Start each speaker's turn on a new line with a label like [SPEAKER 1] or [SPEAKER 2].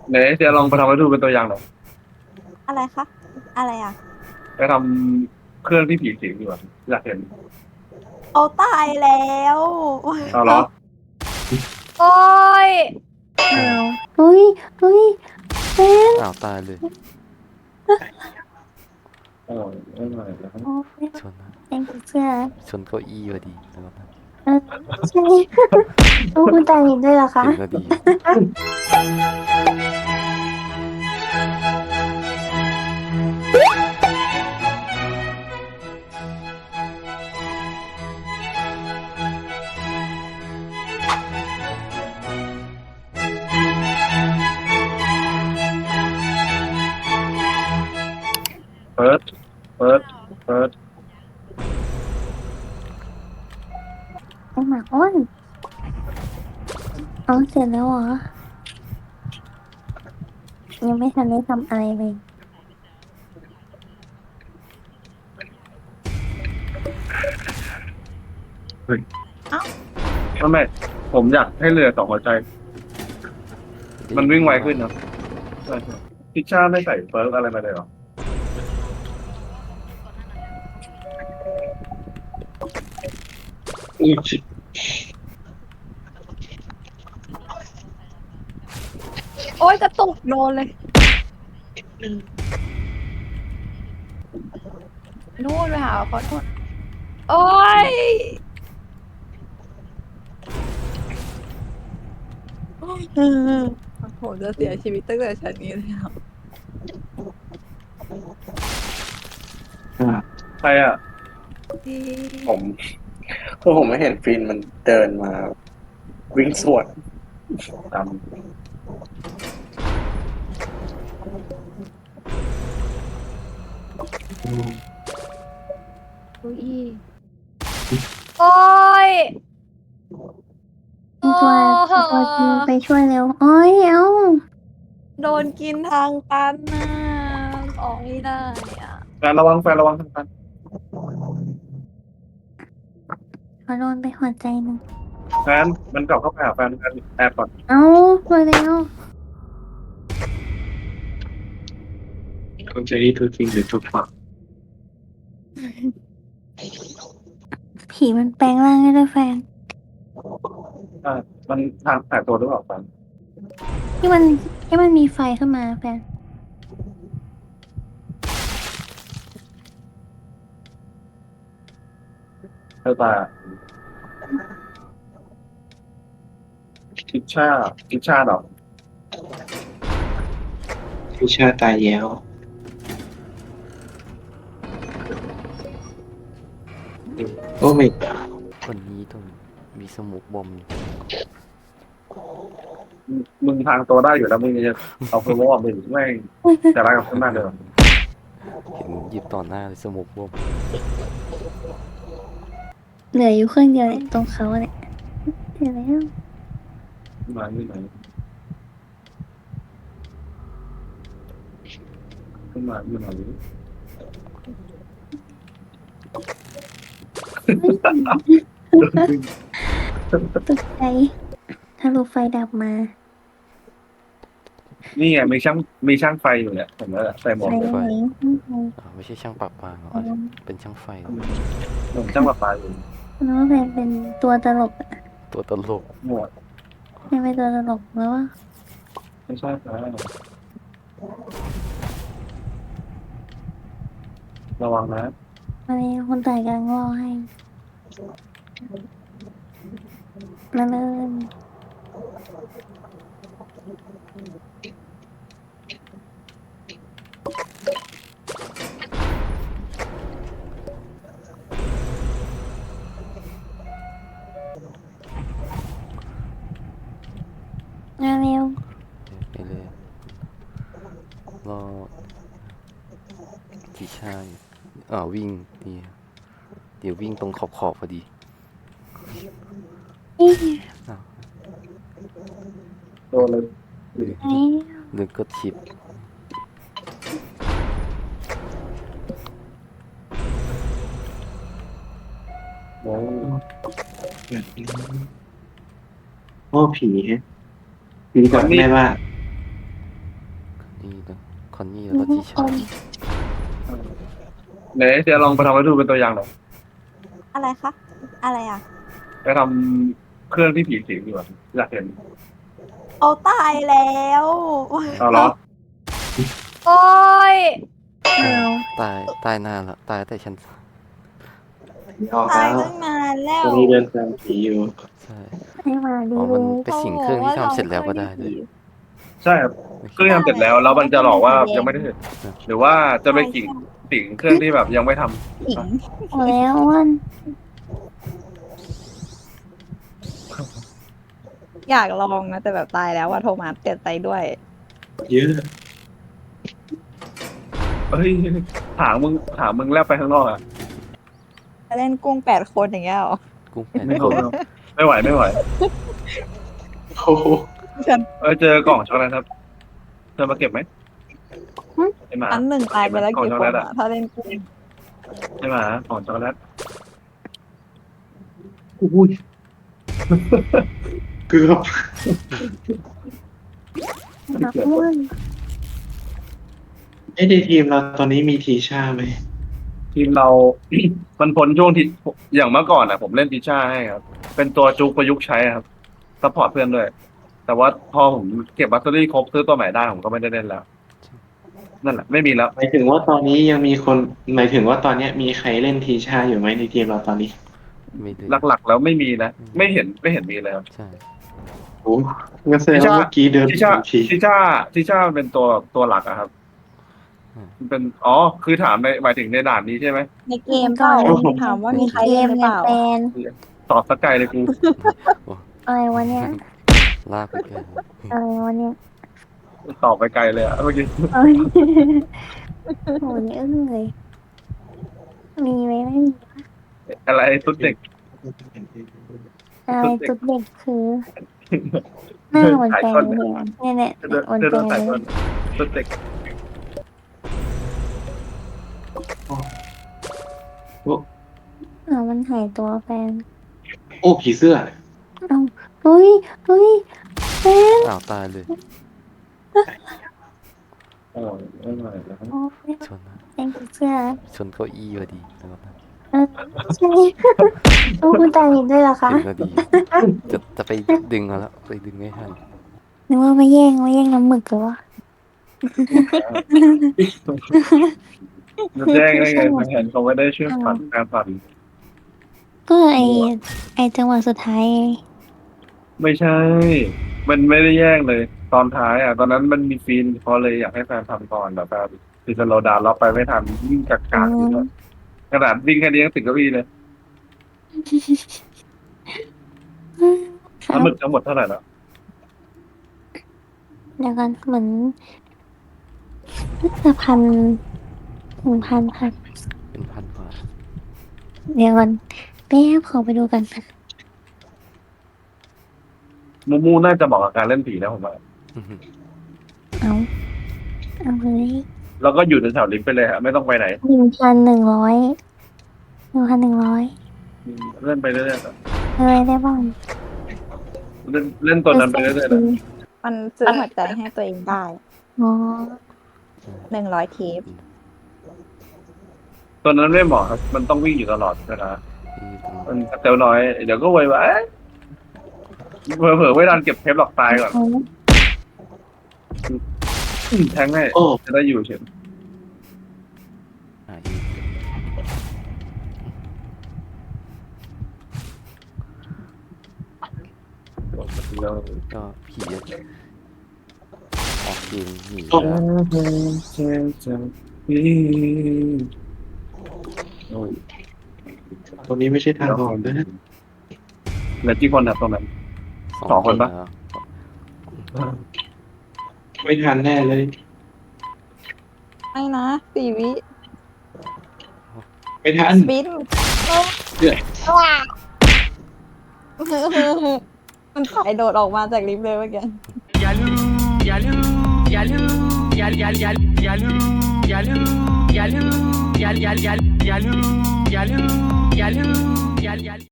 [SPEAKER 1] ไหนเดี๋ยวลองไปทำให้ดูเป็นตัวอย่างหน่อย
[SPEAKER 2] อะไรคะอะไรอ่ะ
[SPEAKER 1] ไปทำเครื่องที่ผีสิงดีกว่าอยากเห็น
[SPEAKER 2] เอาตายแล้ว
[SPEAKER 1] เอาเหรอ
[SPEAKER 2] โอ้ย
[SPEAKER 3] อ้าวเฮ้ยเฮ้ยเฟน
[SPEAKER 4] อ้าวตายเลย
[SPEAKER 1] เออไม่ไหวแล้ว
[SPEAKER 3] โอ้ย
[SPEAKER 4] ชนนะ
[SPEAKER 3] แองเสื้อ
[SPEAKER 4] ชนเก้าอี้พอดีแล้วนะ
[SPEAKER 3] เออใช่โอ้คุณตาเห็นด้วยเหรอคะ
[SPEAKER 4] เห็นพอดี
[SPEAKER 1] เปิดเปิดเปิด
[SPEAKER 3] ไอหมาอ้อนเอาเสร็จแล้วเหรอยังไม่ทันได้ทำอะไรเลย
[SPEAKER 1] เฮ้ยไม่ผมอยากให้เรือสองหัวใจ มันวิ่งไวขึ้นนะใช่ใช่พิชชาไม่ใส่เฟิร์กอะไรมาเลยเหรออุ้ย
[SPEAKER 2] โอ้ยกระตุกโดนเลยนู่นไปหาเขาโน่นโอ้ยโอ้โหจะเสียชีวิตตั้งแต่ชั้นนี้เลยครับ
[SPEAKER 1] ใครอ่ะ
[SPEAKER 5] ผมคือผมไม่เห็นฟินมันเดินมาวิ่งสวน
[SPEAKER 1] ตาม
[SPEAKER 2] เก้าอี้โอ้ย
[SPEAKER 3] มีตัวจริงไปช่วยเร็วโอ้ยเอ้า
[SPEAKER 2] โดนกินทางตันน่ะออกไม่ได้อ่ะ
[SPEAKER 1] แฟนระวังแฟนระวังทางกัน
[SPEAKER 3] ขอโดนไปหัวใจหนึ่ง
[SPEAKER 1] แฟนมันกลับเข้าไปหาแฟนแอบก่อน
[SPEAKER 3] เอ้ามาแล้ว
[SPEAKER 1] คุณเจนี่ทุกจริงหรือทุกฝัง
[SPEAKER 3] ผีมันแปลงร่างได้ด้วยแฟน
[SPEAKER 1] มันทางแตกตัวหรือเปล่าแฟน
[SPEAKER 3] ที่มันที่มันมีไฟขึ้นมาแฟน
[SPEAKER 1] เธอตาทิชชาดอก
[SPEAKER 5] พิชาตายแล้วโอ้ไม่
[SPEAKER 4] คนนี้ต้องมีสมุกบอม
[SPEAKER 1] มึงทางตัวได้อยู่แล้วมึงจะเอาเพลว่ามึงไม่จะรักกับเพื่อนมากเลย
[SPEAKER 4] เห็นหยิบต่อหน้าเลยสมุกบอม
[SPEAKER 3] เหลืออยู่เครื่องเดียวเนี่ยตรงเขาเนี่ยเสร็จแล้ว
[SPEAKER 1] มาที่ไหนขึ้นมาอยู่ไหน
[SPEAKER 3] ตกใจถ้าลูกไฟดับมา
[SPEAKER 1] นี่ไงมีช่างไฟอยู่เนี่ยผมแล้วใส่หมวก
[SPEAKER 3] ไฟ
[SPEAKER 1] เลย
[SPEAKER 3] ไหน
[SPEAKER 4] ไม่ใช่ช่างปรับปลาเหรอเป็นช่างไฟเหรอ
[SPEAKER 1] ผมช่างประปาอยู่
[SPEAKER 3] น้องแฟนเป็นตัวตลกอะ
[SPEAKER 4] ตัวตลก
[SPEAKER 1] หมวก
[SPEAKER 3] ไม่เป็นตัวตลกแล้วว่า
[SPEAKER 1] ไม่ใช่ครับระวังนะ
[SPEAKER 3] มาเลยคนตายกำลังรอให้มาเลยมาเร็ว
[SPEAKER 4] ไปเลยรอกี่ชายวิ่งนี่เดี๋ยววิ่งตรงขอบพอดี
[SPEAKER 3] นี่
[SPEAKER 1] โดนเลย
[SPEAKER 3] ไอ้
[SPEAKER 4] หรือก็ชิป
[SPEAKER 1] โอ้
[SPEAKER 5] โอ้ผีฮะผีก่อนแม่ว่า
[SPEAKER 4] นี่นะคอนนี่แล้วก็ทิชา
[SPEAKER 1] ไหนเดี๋ยวลองไปทำให้ดูเป็นตัวอย่างหน่อย
[SPEAKER 2] อะไรคะ อะไรอ่ะ
[SPEAKER 1] ไปทำเครื่องที่ผีสิงดีกว่าอยากเห็น
[SPEAKER 2] เอาตายแล้ว
[SPEAKER 1] เอาเหรอ
[SPEAKER 2] โอ้ย
[SPEAKER 4] ตายนานแล้วตายแต่ชั้น
[SPEAKER 5] ออก
[SPEAKER 2] ตาย
[SPEAKER 5] แล้ว
[SPEAKER 2] ตั้งนานแล้ว
[SPEAKER 5] ตอนนี้เดินตามผีอยู่
[SPEAKER 4] ใช่
[SPEAKER 3] ให้มาดี
[SPEAKER 4] อ๋อ
[SPEAKER 3] เล
[SPEAKER 4] มัน
[SPEAKER 3] ย
[SPEAKER 4] ไปสิงเครื่องที่ทำเสร็จแล้วก็ได้เลย
[SPEAKER 1] ใช่ครับเครื่องทำเสร็จแล้วแล้วมันจะหลอกว่ายังไม่ได้เสร็จหรือว่าจะไปกิ่งสิงเครื่องที่แบบยังไม่ทำ
[SPEAKER 2] หญิง
[SPEAKER 3] เอาแล้วอ้วน
[SPEAKER 2] อยากลองนะแต่แบบตายแล้วว่าโทมัสเสียใจด้วย
[SPEAKER 5] เยอะ
[SPEAKER 1] เฮ้ยถามมึงแลบไปข้างนอกอ่ะ
[SPEAKER 2] จะเล่นกุ้ง8 คนอย่างเงี้ยเหรอ
[SPEAKER 4] กุ้งแผ่น
[SPEAKER 1] ไม่เอาไม่ไหวไม่ไหว
[SPEAKER 5] โอ้โห
[SPEAKER 1] เจอกล่องช็อกโกแลตครับเธอมาเก็บไหมไอหมา
[SPEAKER 2] อันหนึ่งตายไปแล้ว
[SPEAKER 1] กล่อง
[SPEAKER 2] กี่
[SPEAKER 1] ช็อก
[SPEAKER 2] ค
[SPEAKER 1] โก
[SPEAKER 2] น
[SPEAKER 1] แลต
[SPEAKER 2] อะถ้าเล่นกุ้ง
[SPEAKER 1] ไอหมากล่องช็อกโกแลต
[SPEAKER 5] อุ้ยเกือบ
[SPEAKER 3] อ้วน
[SPEAKER 5] ในทีมเราตอนนี้มีทีชาไหม
[SPEAKER 1] ทีมเรา มันพ้นช่วงที่อย่างเมื่อก่อนอ่ะ ผมเล่นติช่าให้ครับ เป็นตัวจุกประยุกต์ใช้ครับซัพพอร์ตเพื่อนด้วย แต่ว่าพอผมเก็บบัตเตอรี่ครบซื้อตัวใหม่ได้ผมก็ไม่ได้เล่นแล้ว นั่นแหละไม่มีแล้ว
[SPEAKER 5] หมายถึงว่าตอนนี้ยังมีคนหมายถึงว่าตอนเนี้ยมีใครเล่นทีชาอยู่ไหมในทีมเราตอนนี้
[SPEAKER 4] ไม่ได้
[SPEAKER 1] หลักๆแล้วไม่มีนะไม่เห็นมีเลยครับ
[SPEAKER 4] ใช่
[SPEAKER 5] โอ้งั้นแสดงว่าเมื่อกี้เดิน
[SPEAKER 1] ทิชา
[SPEAKER 5] ที
[SPEAKER 1] ทิชามันเป็นตัวหลักอะครับมันเป็นคือถามในหมายถึงในด่านนี้ใช่ไหม
[SPEAKER 2] ในเกมเปล่าถามว่ามีใคร
[SPEAKER 3] เก
[SPEAKER 2] เล่น
[SPEAKER 3] ม
[SPEAKER 2] หรือ
[SPEAKER 3] ไง
[SPEAKER 2] เปล่า
[SPEAKER 3] แฟน
[SPEAKER 1] ตอบสกไกลเลยกู
[SPEAKER 3] อะไรวะเนี่ย
[SPEAKER 4] ลากไปเกิน
[SPEAKER 3] อะไรวะเนี่ย
[SPEAKER 1] ตอบไปไกลเลยอะเมื่อกี้
[SPEAKER 3] เอ้ยโหนี่อึ้งเลยมีไหมไม่มี
[SPEAKER 1] อะไรตุ๊ดเด็ก
[SPEAKER 3] อะไรจุดเด็กคือหน้าเหมือนแฟนเลยอะเนี่ย
[SPEAKER 1] เดิน
[SPEAKER 3] เหมือน
[SPEAKER 1] เดิน
[SPEAKER 3] แฟน
[SPEAKER 1] สาย
[SPEAKER 3] เล
[SPEAKER 1] ต้
[SPEAKER 3] ย
[SPEAKER 1] นตุ๊ดเด็ก
[SPEAKER 3] มันหายตัวแฟน
[SPEAKER 5] โอ้ผีเสื้อ
[SPEAKER 3] เอ้าเฮ้ยแฟน
[SPEAKER 4] อ้าวตายเลย
[SPEAKER 1] ไม่ไหวแล้ว
[SPEAKER 3] โอ้ย
[SPEAKER 4] ชนนะ
[SPEAKER 3] แฟนเสื้อ
[SPEAKER 4] ชนเก้าอี้พอดีนะครับนะ
[SPEAKER 3] ใช่โอ้คุณตาเห็นด้วยเหรอคะ
[SPEAKER 4] เห็นพอดีจะไปดึงเอาแล้วไปดึงไม่ทัน
[SPEAKER 3] นึกว่ามาแย่งน้ำหมึกหรือวะ
[SPEAKER 1] จะแจ้งได้ไงเห็นเขาไม่ได้ช่วยฝันการฝัน
[SPEAKER 3] ก็ไอจังหวะสุดท้ายไง
[SPEAKER 1] ไม่ใช่ มันไม่ได้แย่งเลย ตอนท้ายอ่ะ ตอนนั้นมันมีฟีนเขาเลยอยากให้แฟนทำก่อนแบบแบบคือสโลว์ดาวน์เราไปไม่ทันวิ่งกากๆอยู่แล้วขนาดวิ่งแค่นี้ยังติดเก้าอี้เลย
[SPEAKER 3] ครั
[SPEAKER 1] น้ำ
[SPEAKER 3] บ
[SPEAKER 1] หมึกทั้งหมดเท่าไหร่แล้ว
[SPEAKER 3] เดี๋ยวกันเหมือนน่าจะ1,000ค่ะ
[SPEAKER 4] เป็นพันกว่า
[SPEAKER 3] เดี๋ยวกันแป๊บขอไปดูกัน
[SPEAKER 1] มูน่าจะเหมาะกับการเล่นผีนะผมว่า
[SPEAKER 3] เอาเลย
[SPEAKER 1] แล้วก็อยู่ในแถวลิฟต์ไปเลยฮะไม่ต้องไปไหน
[SPEAKER 3] 1,100
[SPEAKER 1] เล่นไปเรื่อยๆ
[SPEAKER 3] เลยได้บ้าง
[SPEAKER 1] เล่นตัวนั้นไปเรื่อยๆนะ
[SPEAKER 2] มันซื้อหัวใจให้ตัวเองได้
[SPEAKER 3] อ๋อ
[SPEAKER 2] 100 เทป
[SPEAKER 1] ตัวนั้นไม่เหมาะครับ มันต้องวิ่งอยู่ตลอดเวลา มันเตลน้อย เดี๋ยวก็ไววะเผลอๆไม่ทันเก็บเทปหลอกตายก่อนแทงให้
[SPEAKER 5] โอ้
[SPEAKER 1] จะได้อยู่เฉย
[SPEAKER 4] หาอีก
[SPEAKER 1] แล้ว
[SPEAKER 4] ก็ผีอะออกเกมหนี
[SPEAKER 5] โอ้
[SPEAKER 4] แล้ว
[SPEAKER 5] ตรงนี้ไม่ใช่ทางออกนะ
[SPEAKER 1] เหลือกี่คนครับตรงนั้น สองคนปะ
[SPEAKER 4] แล้ว
[SPEAKER 5] ไม่ทันแน่เลย
[SPEAKER 2] ไม่นะ4 วิ
[SPEAKER 5] ไม่ทัน
[SPEAKER 2] สปิน
[SPEAKER 5] เดือด
[SPEAKER 2] มันถ่ายโดดออกมาจากลิฟต์เลยเมื่อกี้
[SPEAKER 6] อย่าลืมอย่าลืมอย่าลืมอย่าอย่าอย่าอย่าลืมอย่าลืมอย่าลืมอย่าอย่าอย่าอย่าลืมอย่าลืมอย่าลืมอย่าอย่า